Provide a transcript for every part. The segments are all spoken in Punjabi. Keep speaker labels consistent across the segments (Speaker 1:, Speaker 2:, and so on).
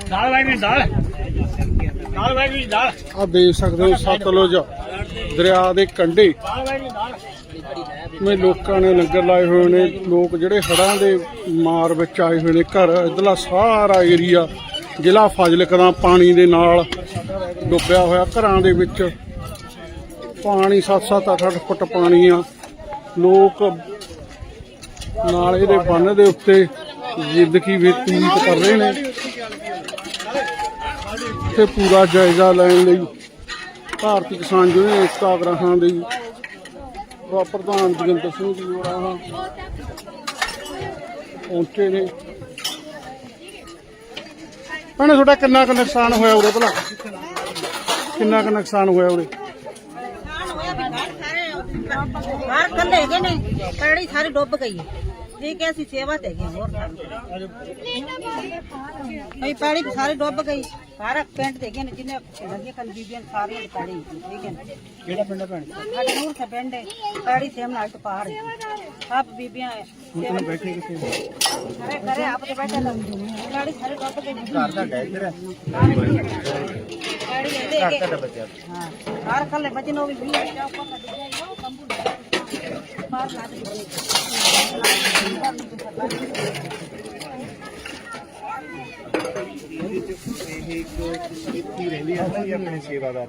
Speaker 1: ਆ ਦੇਖ ਸਕਦੇ ਹੋ ਸਤਲੁਜ ਦਰਿਆ ਦੇ ਕੰਢੇ में लोगों ने लंगर लाए हुए ने। लोग ਜਿਹੜੇ ਹੜ੍ਹਾਂ ਦੇ ਮਾਰ ਵਿੱਚ ਆਏ ਹੋਏ ਨੇ ਘਰ ਇਧਰਲਾ ਸਾਰਾ ਏਰੀਆ ਜ਼ਿਲ੍ਹਾ ਫਾਜ਼ਿਲਕਾ ਦਾ ਪਾਣੀ ਦੇ ਨਾਲ ਡੁੱਬਿਆ ਹੋਇਆ। ਘਰਾਂ ਦੇ ਵਿੱਚ ਪਾਣੀ 7-7 8-8 ਫੁੱਟ ਪਾਣੀ ਆ। ਲੋਕ ਨਾਲੇ ਦੇ ਬੰਨ ਦੇ ਉੱਤੇ ਜ਼ਿੰਦਗੀ ਬਤੀਤ ਕਰ ਰਹੇ ਨੇ ਤੇ ਪੂਰਾ ਜਾਇਜ਼ਾ ਲੈਣ ਲਈ ਭਾਰਤੀ ਕਿਸਾਨ ਯੂਨੀਅਨ ਏਕਤਾ ਆਗਰਾਹਾਂ ਦੀ प्रधान जोगिंदर सिंह जी होर पहुंचे ने। भैने थोड़ा किन्ना क नुकसान होया उरे भला किन्ना क नुकसान होया उरे?
Speaker 2: सारी डुब गई है सेवा पैड़ी सारी डुब गई सारा पिंड देखे ने जिन्हें कल बीबियां सारी पैड़ी ठीक है नूर से पिंड है पैड़ी सेम नाल तो पार सब बीबियां
Speaker 1: बैठे
Speaker 2: अरे घरे आप तो बैठे पैड़ी सारी डुब गई
Speaker 3: घर दा डैगर
Speaker 2: पैड़ी दे के हां हर कल बचन हो भी पार ना
Speaker 3: अपने सेवादार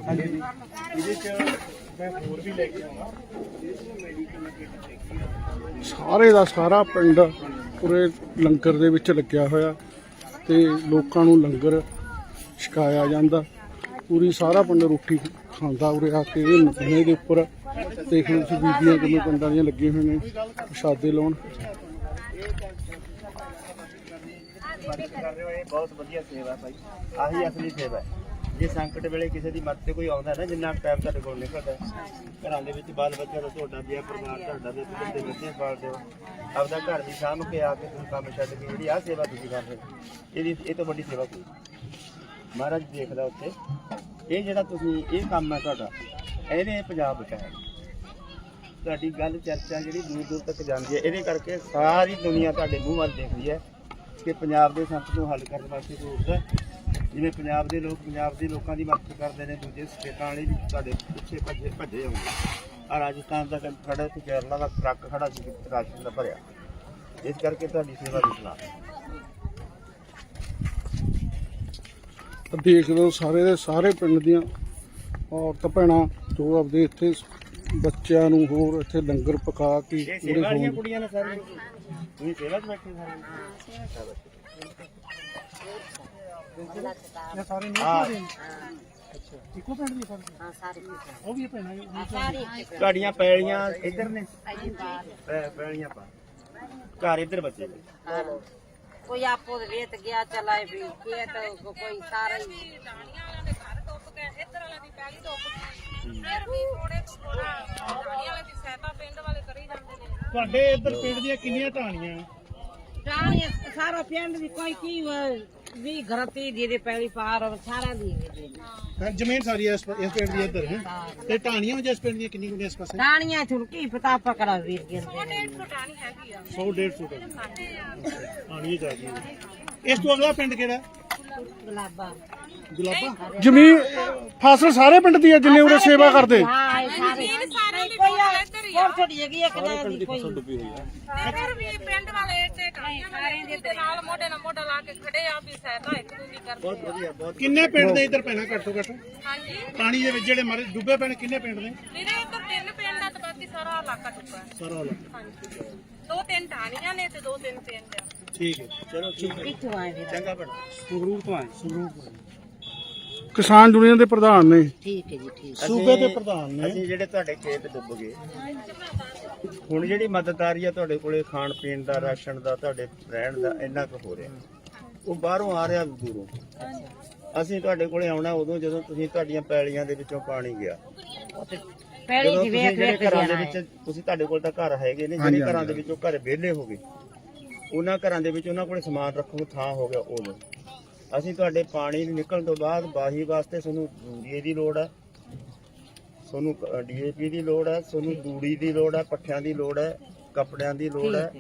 Speaker 1: सारे दा सारा पिंड पूरे लंगर दे विच लग्या होया ते लोकां नूं लंगर छकाया जांदा। पूरी सारा पिंड रोटी खांदा उरे आके नदियां दे उपर। देख लो तुसीं बीबियां किन्ने पिंडां दियां लगे हुए ने प्रशादे लाउण।
Speaker 3: बहुत वधिया सेवा भाई आही असली सेवा है। जे संकट वेले किसी की मदद कोई आउंदा ना जिन्ना टाइम तुहाडे कोल निकलदा घरां दे विच बाल बच्चा दा तुहाडा बिया परिवार तुहाडा दे बच्चे बच्चे पालदे हो आपदा घर दी सांभ के आके तुसीं काम छड्ड के जिहड़ी आ सेवा तुसीं कर रहे हो ये तो वड्डी सेवा कोई महाराज देखदा उत्थे ये जिहड़ा तुसीं ये काम है तुहाडा ਇਹਨੇ ਪੰਜਾਬ ਬਚਾਇਆ। ਤੁਹਾਡੀ ਗੱਲ ਚਰਚਾ ਜਿਹੜੀ ਦੂਰ ਦੂਰ ਤੱਕ ਜਾਂਦੀ ਹੈ ਇਹਦੇ ਕਰਕੇ ਸਾਰੀ ਦੁਨੀਆ ਤੁਹਾਡੇ ਮੂੰਹ ਵੱਲ ਦੇਖਦੀ ਹੈ ਕਿ ਪੰਜਾਬ ਦੇ ਸੰਕਟ ਨੂੰ ਹੱਲ ਕਰਨ ਵਾਸਤੇ ਕੋਈ ਉੱਠਦਾ। ਜਿਵੇਂ ਪੰਜਾਬ ਦੇ ਲੋਕ ਪੰਜਾਬ ਦੇ ਲੋਕਾਂ ਦੀ ਮਦਦ ਕਰਦੇ ਨੇ ਦੂਜੇ ਸਟੇਟਾਂ ਵਾਲੇ ਵੀ ਤੁਹਾਡੇ ਪਿੱਛੇ ਭੱਜੇ ਆਉਂਦੇ ਆ। ਰਾਜਸਥਾਨ ਦਾ ਖੜਾ ਤੇ ਕੇਰਲਾ ਦਾ ਟਰੱਕ ਖੜਾ ਸੀ ਰਾਸ਼ਨ ਦਾ ਭਰਿਆ। ਇਸ ਕਰਕੇ ਤੁਹਾਡੀ ਸੇਵਾ ਦੀ ਸਲਾਹ
Speaker 1: देख लो सारे दे सारे पिंड दियां औरत भैणां जो आपदे इत्थे बच्चों नूं होर इत्थे लंगर पका के पूरे
Speaker 3: वालियां कुड़ियां ने सारे ਤੁਸੀਂ ਸੇਵਾ 'ਚ ਬੈਠੇ ਸਾਰੇ
Speaker 1: सारे नहीं अच्छा इको पिंड दी सारे हां सारे वो भी भैणां
Speaker 2: सारी
Speaker 3: ਤੁਹਾਡੀਆਂ ਪੈਲੀਆਂ ਇੱਧਰ ਨੇ ਪੈਲੀਆਂ ਪਾ ਘਰ ਇੱਧਰ ਬੱਚੇ ਨੇ
Speaker 2: कोई आपको रेत गया चलाए भी के तो कोई सारा ही घर डुब गए इधर वाले दी पैली डुब गई फिर भी थोड़े थोड़ा ढाणी वाले दी सहायता पिंड वाले करी जांदे ने।
Speaker 1: ਤੁਹਾਡੇ ਇੱਧਰ ਪਿੰਡ ਦੀਆਂ ਕਿੰਨੀਆਂ ਢਾਣੀਆਂ?
Speaker 2: ढाणी सारा पिंड दी कोई की भी घर ती दे पैली पार सारा दी
Speaker 1: ਜ਼ਮੀਨ ਸਾਰੀ ਇਸ ਪਿੰਡ ਦੀ ਇੱਧਰ ਹੈ ਤੇ ਢਾਣੀਆਂ ਜਿਸ ਪਿੰਡ ਦੀਆਂ ਕਿੰਨੀ ਕਿੰਨੀਆਂ ਇਸ ਪਾਸੇ?
Speaker 2: ढाणियां थुन की पता पकड़ा वीर गिरदे 150 ढाणी हैगी आ
Speaker 1: 100-150 ਢਾਣੀ ਚਾਹੀਦੀ। ਇਸ ਤੋਂ ਅਗਲਾ ਪਿੰਡ ਕਿਹੜਾ?
Speaker 2: गुलाबा
Speaker 1: ਗੁਲਾਬਾ। ਜ਼ਮੀਨ ਫਸਲ ਸਾਰੇ ਪਿੰਡ ਦੀ ਹੈ ਜਿੰਨੇ ਉਰੇ ਸੇਵਾ ਕਰਦੇ?
Speaker 2: हां सारे कोई और छोटी जगह है कि दी कोई
Speaker 4: ਤੇ ਫਿਰ ਵੀ ਪਿੰਡ ਵਾਲੇ ਤੇ ਢਾਣੀਆਂ ਦੇ ਨਾਲ ਮੋਢੇ ਨਾਲ ਮੋਢਾ ਲਾ ਕੇ ਖੜੇ ਆ ਵੀ ਸਹਾਇਤਾ ਇੱਕ ਦੂਜੀ ਕਰਦੇ
Speaker 3: ਬਹੁਤ ਵਧੀਆ ਬਹੁਤ
Speaker 1: ਕਿੰਨੇ ਪਿੰਡ ਦੇ ਇੱਧਰ ਪੈਣਾ ਘੱਟੋ ਘੱਟ
Speaker 4: ਹਾਂਜੀ
Speaker 1: ਪਾਣੀ ਦੇ ਵਿੱਚ ਜਿਹੜੇ ਮਰੇ ਡੁੱਬੇ ਪੈਣ ਕਿੰਨੇ ਪਿੰਡ ਨੇ?
Speaker 4: ਵੀਰੇ ਇੱਧਰ 3 ਪਿੰਡ ਆ ਤੇ ਬਾਕੀ ਸਾਰਾ ਇਲਾਕਾ ਚੁੱਕਾ ਹੈ।
Speaker 1: ਸਾਰਾ ਵਾਲਾ
Speaker 4: ਹਾਂਜੀ 2-3 ਢਾਣੀਆਂ ਨੇ ਤੇ 2-3 ਪਿੰਡ ਆ।
Speaker 1: ਠੀਕ ਹੈ।
Speaker 3: ਚਲੋ ਠੀਕ ਹੈ
Speaker 2: किथों आए वीर
Speaker 3: ਚੰਗਾ ਭੈਣ
Speaker 1: ਸੰਗਰੂਰ ਤੋਂ ਆਏ ਸੰਗਰੂਰ ਤੋਂ ਕਿਸਾਨ ਯੂਨੀਅਨ ਦੇ ਪ੍ਰਧਾਨ ਨੇ
Speaker 2: ठीक है जी ठीक
Speaker 1: ਸੂਬੇ ਦੇ ਪ੍ਰਧਾਨ ਨੇ।
Speaker 3: ਅਸੀਂ ਜਿਹੜੇ ਤੁਹਾਡੇ ਖੇਤ ਡੁੱਬ ਗਏ ਹੁਣ ਜਿਹੜੀ ਮਦਦ ਆ ਰਹੀ ਆ ਤੁਹਾਡੇ ਕੋਲੇ ਖਾਣ ਪੀਣ ਦਾ ਰਾਸ਼ਨ ਦਾ ਤੁਹਾਡੇ ਰਹਿਣ ਦਾ ਇੰਨਾ ਕੁ ਹੋ ਰਿਹਾ ਉਹ ਬਾਹਰੋਂ ਆ ਰਿਹਾ ਦੂਰੋਂ। ਅਸੀਂ ਤੁਹਾਡੇ ਕੋਲੇ ਆਉਣਾ ਉਦੋਂ ਜਦੋਂ ਤੁਸੀਂ ਤੁਹਾਡੀਆਂ ਪੈਲੀਆਂ ਦੇ ਵਿੱਚੋਂ ਪਾਣੀ ਗਿਆ।
Speaker 2: पैली
Speaker 3: ਜਦੋਂ
Speaker 2: दी
Speaker 3: ਤੁਸੀਂ
Speaker 2: वेख
Speaker 3: ਜਿਹੜੇ
Speaker 2: वेख
Speaker 3: ਘਰਾਂ ਦੇ
Speaker 2: जाना
Speaker 3: ਵਿੱਚ ਤੁਸੀਂ ਤੁਹਾਡੇ ਕੋਲ ਤਾਂ ਘਰ ਹੈਗੇ ਨੇ ਜਿਹੜੇ ਘਰਾਂ ਦੇ ਵਿੱਚੋਂ ਘਰ ਵਿਹਲੇ ਹੋ ਗਏ ਉਹਨਾਂ ਘਰਾਂ ਦੇ ਵਿੱਚ ਉਹਨਾਂ ਕੋਲੇ ਸਮਾਨ ਰੱਖਣ ਨੂੰ ਥਾਂ ਹੋ ਗਿਆ ਉਦੋਂ। ਅਸੀਂ ਤੁਹਾਡੇ ਪਾਣੀ ਨਿਕਲਣ ਤੋਂ ਬਾਅਦ ਬਾਹੀ ਵਾਸਤੇ ਤੁਹਾਨੂੰ ਯੂਰੀਏ ਦੀ ਲੋੜ ਹੈ, ਤੁਹਾਨੂੰ DAP ਦੀ ਲੋੜ ਹੈ, ਤੁਹਾਨੂੰ ਤੂੜੀ ਦੀ ਲੋੜ ਹੈ, ਪੱਠਿਆਂ ਦੀ ਲੋੜ ਹੈ, ਕੱਪੜਿਆਂ ਦੀ ਲੋੜ ਹੈ,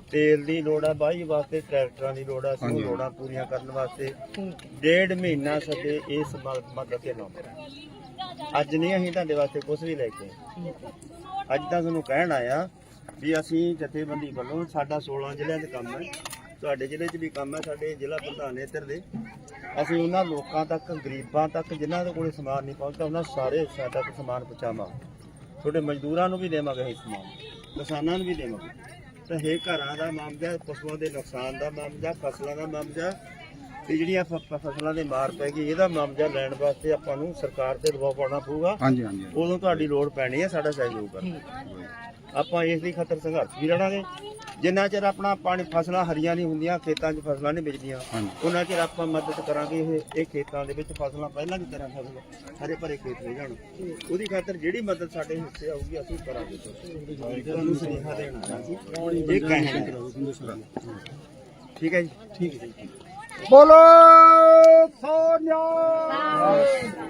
Speaker 3: ਤੇਲ ਦੀ ਲੋੜ ਆ, ਵਾਹੀ ਵਾਸਤੇ ਟਰੈਕਟਰਾਂ ਦੀ ਲੋੜ ਆ, ਸਾਨੂੰ ਲੋੜਾਂ ਪੂਰੀਆਂ ਕਰਨ ਵਾਸਤੇ 1.5 ਮਹੀਨਾ ਸਾਡੇ ਇਸ ਮਦਦ ਤੇ ਲਾਉਂਦੇ। ਅੱਜ ਨਹੀਂ ਅਸੀਂ ਤੁਹਾਡੇ ਵਾਸਤੇ ਕੁਝ ਵੀ ਲੈ ਕੇ ਆਏ। ਅੱਜ ਤਾਂ ਤੁਹਾਨੂੰ ਕਹਿਣ ਆਇਆ ਵੀ ਅਸੀਂ ਜਥੇਬੰਦੀ ਵੱਲੋਂ ਸਾਡਾ 16 ਜ਼ਿਲ੍ਹਿਆਂ ਦੇ ਕੰਮ ਹੈ, ਤੁਹਾਡੇ ਜ਼ਿਲ੍ਹੇ 'ਚ ਵੀ ਕੰਮ ਹੈ, ਸਾਡੇ ਜ਼ਿਲ੍ਹਾ ਪ੍ਰਧਾਨ ਇੱਧਰ ਦੇ, ਅਸੀਂ ਉਹਨਾਂ ਲੋਕਾਂ ਤੱਕ, ਗਰੀਬਾਂ ਤੱਕ ਜਿਨ੍ਹਾਂ ਦੇ ਕੋਲੇ ਸਮਾਨ ਨਹੀਂ ਪਹੁੰਚਦਾ, ਉਹਨਾਂ ਸਾਰੇ ਹਿੱਸਿਆਂ ਤੱਕ ਸਮਾਨ ਪਹੁੰਚਾਵਾਂਗੇ। ਤੁਹਾਡੇ ਮਜ਼ਦੂਰਾਂ ਨੂੰ ਵੀ ਦੇਵਾਂਗੇ ਇਹ ਸਮਾਨ, ਕਿਸਾਨਾਂ ਨੂੰ ਵੀ ਦੇਵਾਂਗੇ। ਤਾਂ ਇਹ ਘਰਾਂ ਦਾ ਮਾਮਲਾ, ਪਸ਼ੂਆਂ ਦੇ ਨੁਕਸਾਨ ਦਾ ਮਾਮਲਾ, ਫਸਲਾਂ ਦਾ ਮਾਮਲਾ ਤੇ ਜਿਹੜੀਆਂ ਫਸਲਾਂ ਦੇ ਮਾਰ ਪੈ ਗਈ, ਇਹਦਾ ਮਾਮਲਾ ਲੈਣ ਵਾਸਤੇ ਆਪਾਂ ਨੂੰ ਸਰਕਾਰ ਤੇ ਦਬਾਅ ਪਾਉਣਾ ਪਊਗਾ।
Speaker 1: ਹਾਂਜੀ ਹਾਂਜੀ
Speaker 3: ਉਦੋਂ ਤੁਹਾਡੀ ਲੋੜ ਪੈਣੀ ਹੈ ਸਾਡਾ ਸਹਿਯੋਗ ਕਰਨ। ਆਪਾਂ ਇਸ ਦੀ ਖਾਤਰ ਸੰਘਰਸ਼ ਵੀ ਲੜਾਂਗੇ। ਜਿੰਨਾ ਚਿਰ ਆਪਣਾ ਪਾਣੀ ਫਸਲਾਂ ਹਰੀਆਂ ਨਹੀਂ ਹੁੰਦੀਆਂ, ਖੇਤਾਂ 'ਚ ਫਸਲਾਂ ਨਹੀਂ ਵਿਕਦੀਆਂ, ਉਹਨਾਂ ਚਿਰ ਆਪਾਂ ਮਦਦ ਕਰਾਂਗੇ। ਇਹ ਖੇਤਾਂ ਦੇ ਵਿੱਚ ਫਸਲਾਂ ਪਹਿਲਾਂ ਦੀ ਤਰ੍ਹਾਂ ਫਸਲ ਹਰੇ ਭਰੇ ਖੇਤ ਹੋ ਜਾਣ, ਉਹਦੀ ਖਾਤਰ ਜਿਹੜੀ ਮਦਦ ਸਾਡੇ ਹਿੱਸੇ ਆਊਗੀ ਅਸੀਂ ਕਰਾਂਗੇ। ਤੁਹਾਨੂੰ ਸੁਨੇਹਾ ਦੇਣਾ ਸੀ, ਇਹ ਕਹਿਣਾ। ਠੀਕ ਹੈ ਜੀ, ਠੀਕ ਹੈ ਜੀ।
Speaker 1: ਬੋਲੋ ਸੋਨਿਆ।